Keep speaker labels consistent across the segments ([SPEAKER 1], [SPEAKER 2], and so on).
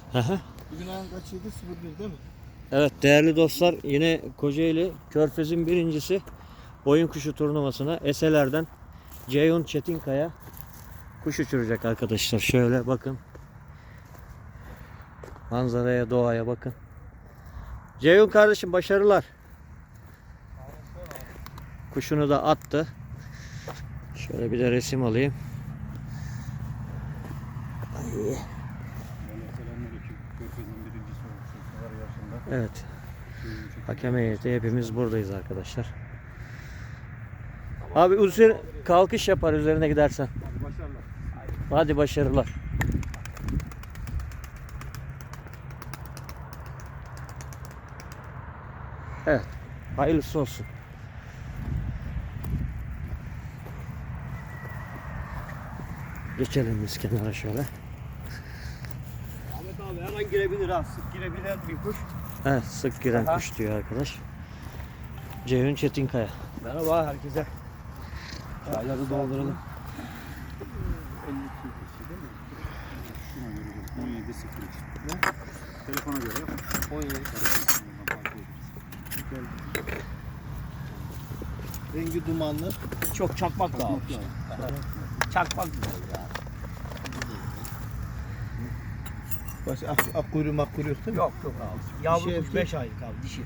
[SPEAKER 1] Aha.
[SPEAKER 2] Bugün ayın kaçıydı? 01 değil mi?
[SPEAKER 1] Evet değerli dostlar, yine Kocaeli Körfez'in birincisi oyun kuşu turnuvasına Eseler'den Ceyhun Çetinkaya kuş uçuracak arkadaşlar. Şöyle bakın. Manzaraya, doğaya bakın. Ceyhun kardeşim başarılar. Kuşunu da attı. Şöyle bir de resim alayım. Ay. Evet. Hakem heyeti hepimiz buradayız arkadaşlar. Abi üzeri kalkış yapar üzerine gidersen. Hadi başarılar. Evet. Hayırlısı olsun. Geçelim biz kenara şöyle.
[SPEAKER 3] Ahmet abi her an girebilir ha. Sık girebilen bir kuş.
[SPEAKER 1] Evet, sık giren
[SPEAKER 3] Aha.
[SPEAKER 1] kuş diyor arkadaş. Ceyhun Çetinkaya.
[SPEAKER 3] Merhaba herkese. Çayları dolduralım.
[SPEAKER 4] 17.03. Telefona göre yap.
[SPEAKER 3] 17.
[SPEAKER 2] Rengi dumanlı.
[SPEAKER 3] Çok çakmak da almış. Çakmak güzel ya.
[SPEAKER 2] Baş ak kuyruğu mak kuyruğu yok değil mi?
[SPEAKER 3] Yok yok abi. Yavru
[SPEAKER 2] Dişi
[SPEAKER 3] kuş
[SPEAKER 2] erkek.
[SPEAKER 3] 5 aylık abi dişi.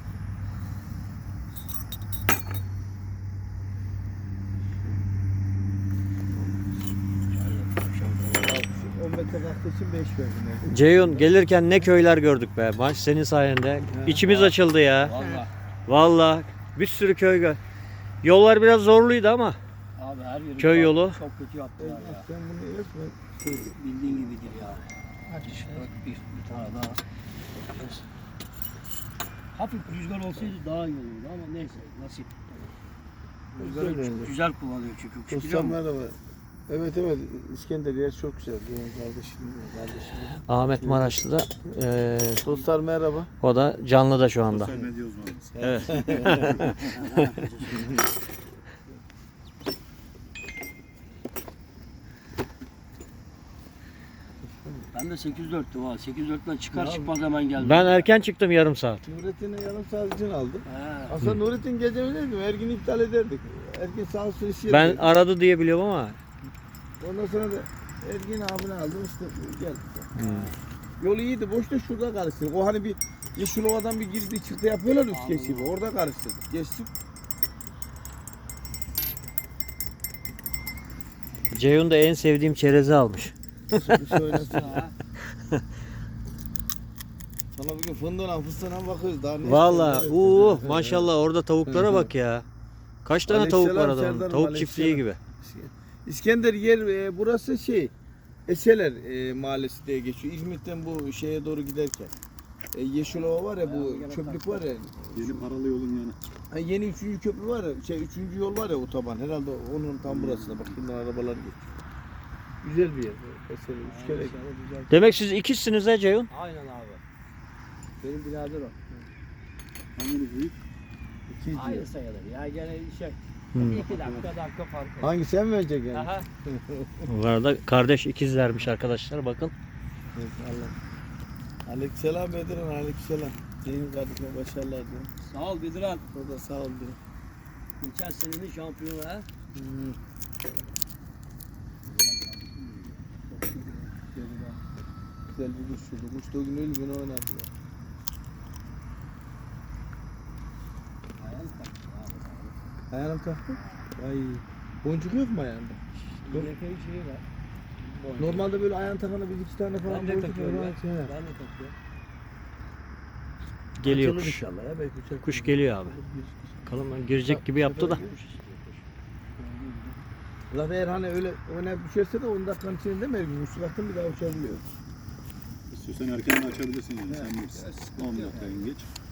[SPEAKER 2] On metre kalktığı için 5 verdim. Yani.
[SPEAKER 1] Ceyhun gelirken ne köyler gördük be. Maç senin sayende. İçimiz açıldı ya.
[SPEAKER 3] Valla.
[SPEAKER 1] Vallahi bir sürü köy gör. Yollar biraz zorluydu ama
[SPEAKER 3] Abi her yeri
[SPEAKER 1] Köy yolu.
[SPEAKER 3] çok kötü yaptılar ya.
[SPEAKER 2] Sen bunu resmen
[SPEAKER 3] Bildiğin gibidir ya. Hadi bak bir tane daha. Hafif rüzgar olsaydı daha iyi olurdu ama neyse nasip. Rüzgarı
[SPEAKER 2] bence.
[SPEAKER 3] güzel kullanıyor çünkü kuş biliyor
[SPEAKER 2] Dostlar
[SPEAKER 3] musun?
[SPEAKER 2] merhaba. Evet evet İskender yer çok güzel. Benim kardeşim.
[SPEAKER 1] Ahmet Maraşlı'da
[SPEAKER 2] Dostlar merhaba.
[SPEAKER 1] o da canlıda şu anda.
[SPEAKER 4] Sosyal medya uzmanımız.
[SPEAKER 1] Evet.
[SPEAKER 3] Ben de 8.4'tüm ha. 8.4'ten çıkar çıkmaz hemen geldim.
[SPEAKER 1] Ben erken çıktım yarım saat.
[SPEAKER 2] Nurettin'e yarım saat için aldım.
[SPEAKER 3] He.
[SPEAKER 2] Aslında Nurettin gece öyleydi. Her gün iptal ederdik. Ergin sağ olsun iş
[SPEAKER 1] Ben
[SPEAKER 2] yerinde.
[SPEAKER 1] aradı diye biliyorum ama.
[SPEAKER 2] Ondan sonra da Ergin abini aldım işte geldik. Yol iyiydi. Boşta şurada karıştırdık. O hani bir Yeşilova'dan bir girdi çıktı yapıyorlar üst geçibi. Orada karıştırdık. Geçtik.
[SPEAKER 1] Ceyhun da en sevdiğim çerezi almış.
[SPEAKER 2] Bir söylesin.
[SPEAKER 3] Ha.
[SPEAKER 2] Sana bugün fındığına fıstığına bakıyoruz. Daha ne
[SPEAKER 1] Vallahi
[SPEAKER 2] istiyorsun? Evet.
[SPEAKER 1] maşallah orada tavuklara bak ya. Kaç tane tavuk var
[SPEAKER 2] Aleykümselam
[SPEAKER 1] adamın?
[SPEAKER 2] Serdar'ım,
[SPEAKER 1] Tavuk çiftliği gibi.
[SPEAKER 2] İskender yer burası şey Eseler mahallesi diye geçiyor. İzmit'ten bu şeye doğru giderken. Yeşilova var ya bu çöplük var ya.
[SPEAKER 4] Yeni paralı yolun yanı.
[SPEAKER 2] Ha, yeni 3. köprü var ya, 3. yol var ya otoban. Herhalde onun tam burasında. Bak bunlar arabalar geçiyor. Güzel bir yer. Eseler 3 kere.
[SPEAKER 1] Demek siz ikizsiniz ha Ceyhun?
[SPEAKER 3] Aynen abi. Benim birader o.
[SPEAKER 4] Hangisi büyük?
[SPEAKER 2] 200
[SPEAKER 3] Aynı
[SPEAKER 2] diyor.
[SPEAKER 3] sayılır ya gene şey.
[SPEAKER 1] Hmm.
[SPEAKER 3] 2 dakika fark var.
[SPEAKER 2] Hangi sen mi vereceksin yani?
[SPEAKER 3] Aha.
[SPEAKER 1] Bu arada kardeş ikizlermiş arkadaşlar bakın.
[SPEAKER 2] Evet, Allah. Aleykümselam Bedirhan, aleykümselam. Senin kardeşine başarılar diyorum.
[SPEAKER 3] Sağ ol Bediran.
[SPEAKER 2] O da sağ ol diyor.
[SPEAKER 3] Geçen senenin şampiyonu ha.
[SPEAKER 2] Güzel bir kuş şurada. Kuş da o gün öyle beni oynadı ya.
[SPEAKER 3] Ayağını taktı abi.
[SPEAKER 2] Ayağına mı taktın? Ay. Boncuk yok mu ayağında? Yok.
[SPEAKER 3] Epey şey var.
[SPEAKER 2] Normalde böyle ayağına takana bir iki tane falan
[SPEAKER 3] Ben de
[SPEAKER 2] boncuk
[SPEAKER 3] takıyorum
[SPEAKER 2] var.
[SPEAKER 3] ya.
[SPEAKER 2] He.
[SPEAKER 3] Ben de takıyorum.
[SPEAKER 1] Geliyor
[SPEAKER 2] Açılır
[SPEAKER 1] kuş.
[SPEAKER 2] inşallah ya. Belki uçar.
[SPEAKER 1] Kuş geliyor abi. Bakalım lan girecek gibi yaptı da.
[SPEAKER 2] Zaten eğer hani öyle oynayıp düşerse de 10 dakikanın içinde mi ergin? Uçtu baktın bir daha uçabiliyor.
[SPEAKER 4] İstiyorsan erken açabilirsin yani. Sen bilirsin. 10 dakika geç.